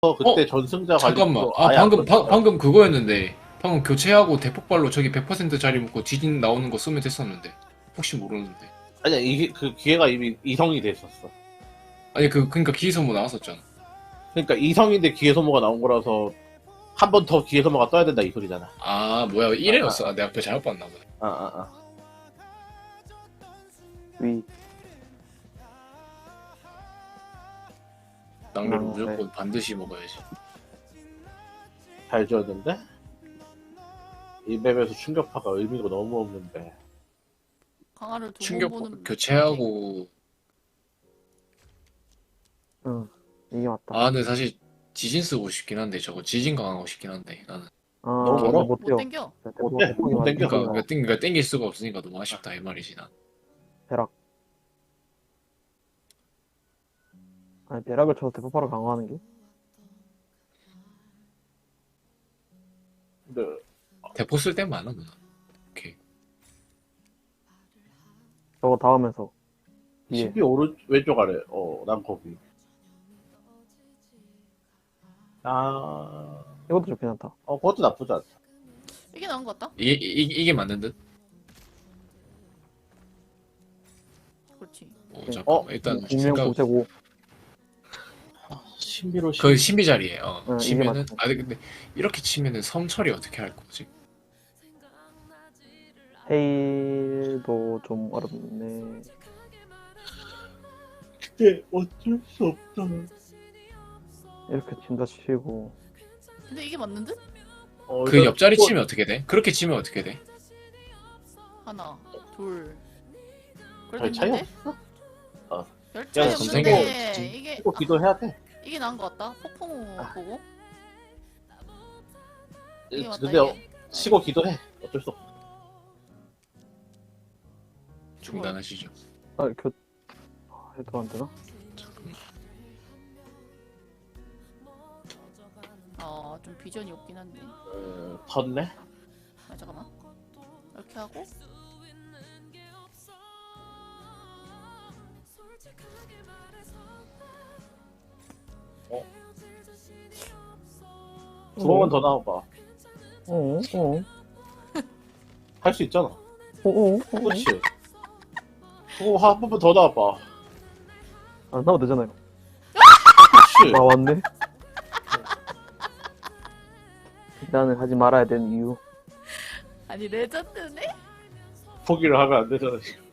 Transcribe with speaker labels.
Speaker 1: 그때 전승자
Speaker 2: 잠깐만.
Speaker 1: 관리도
Speaker 2: 아,
Speaker 1: 아예 안
Speaker 2: 방금,
Speaker 1: 떴잖아.
Speaker 2: 방금 그거였는데. 방금 교체하고 대폭발로 저기 100% 자리 묶고 지진 나오는 거 쓰면 됐었는데. 혹시 모르는데.
Speaker 1: 아니야, 이게 그 기회가 이미 이성이 돼 있었어.
Speaker 2: 아니, 그니까 기소모 나왔었잖아.
Speaker 1: 그러니까 이성인데 기회 소모가 나온 거라서 한 번 더 기회 소모가 떠야 된다 이 소리잖아.
Speaker 2: 아, 뭐야. 1회였어. 아, 내가 그거 잘못 봤나 보네.
Speaker 1: 아.
Speaker 3: 위.
Speaker 2: 낭비를
Speaker 3: 네.
Speaker 2: 무조건 반드시 먹어야지.
Speaker 1: 잘 지었는데 이 맵에서 충격파가 의미가 너무 없는데.
Speaker 4: 강화를 두번
Speaker 2: 충격
Speaker 4: 보는
Speaker 2: 교체하고.
Speaker 3: 응. 이게 맞다.
Speaker 2: 아, 근데 사실 지진 쓰고 싶긴 한데, 저거 지진 강하고 싶긴 한데, 나는.
Speaker 1: 너무
Speaker 3: 근데
Speaker 1: 멀어?
Speaker 3: 못
Speaker 4: 못
Speaker 3: 뛰어.
Speaker 4: 땡겨.
Speaker 1: 못 땡겨. 못 땡겨.
Speaker 2: 그러니까 땡길 수가 없으니까 너무 아쉽다, 이 말이지, 난.
Speaker 3: 벼락. 아니, 벼락을 쳐서 대폭발을 강화하는 게?
Speaker 1: 근데
Speaker 2: 대포 쓸 때 많아, 누나. 오케이.
Speaker 3: 저거 닿으면서. 예.
Speaker 1: 12 오른 왼쪽 아래. 난 거기.
Speaker 3: 이것도 좋긴 하다.
Speaker 1: 그것도 나쁘지 않다.
Speaker 4: 이게 나은 것 같다.
Speaker 2: 이게 맞는 듯?
Speaker 4: 그렇지.
Speaker 2: 잠깐만. 일단,
Speaker 3: 공명
Speaker 2: 생각,
Speaker 3: 공채고.
Speaker 1: 신비로
Speaker 2: 그 신비 자리에,
Speaker 3: 이게
Speaker 2: 치면은,
Speaker 3: 맞죠.
Speaker 2: 아니, 근데, 이렇게 치면은 섬 처리 어떻게 할 거지?
Speaker 3: 헤일도 좀 어렵네.
Speaker 1: 그때 어쩔 수 없다.
Speaker 3: 이렇게 친다 치고.
Speaker 4: 근데 이게 맞는 듯?
Speaker 2: 그 옆자리 치면 어떻게 돼? 그렇게 치면 어떻게 돼?
Speaker 4: 하나, 둘.
Speaker 1: 별
Speaker 4: 그래도
Speaker 1: 차이
Speaker 4: 있는데?
Speaker 1: 없어.
Speaker 4: 별
Speaker 1: 야,
Speaker 4: 차이
Speaker 2: 검색해.
Speaker 4: 없는데 이게
Speaker 1: 이거 기도해야 돼.
Speaker 4: 이게 나은 것 같다. 폭풍 보고. 이게 맞다.
Speaker 1: 근데
Speaker 4: 이게.
Speaker 1: 치고 기도해. 어쩔 수 없어.
Speaker 2: 중단하시죠.
Speaker 3: 해도 안 되나?
Speaker 4: 좀 비전이 없긴 한데.
Speaker 1: 텄네?
Speaker 4: 잠깐만. 이렇게 하고.
Speaker 1: 두 번만 더 나와봐. 할 수 있잖아. 그렇지. 한 번만 더 나와봐.
Speaker 3: 안 나와도 되잖아요.
Speaker 1: 그렇지.
Speaker 3: 나왔네. 나는 하지 말아야 되는 이유.
Speaker 4: 아니 레전드네?
Speaker 1: 포기를 하면 안 되잖아, 지금.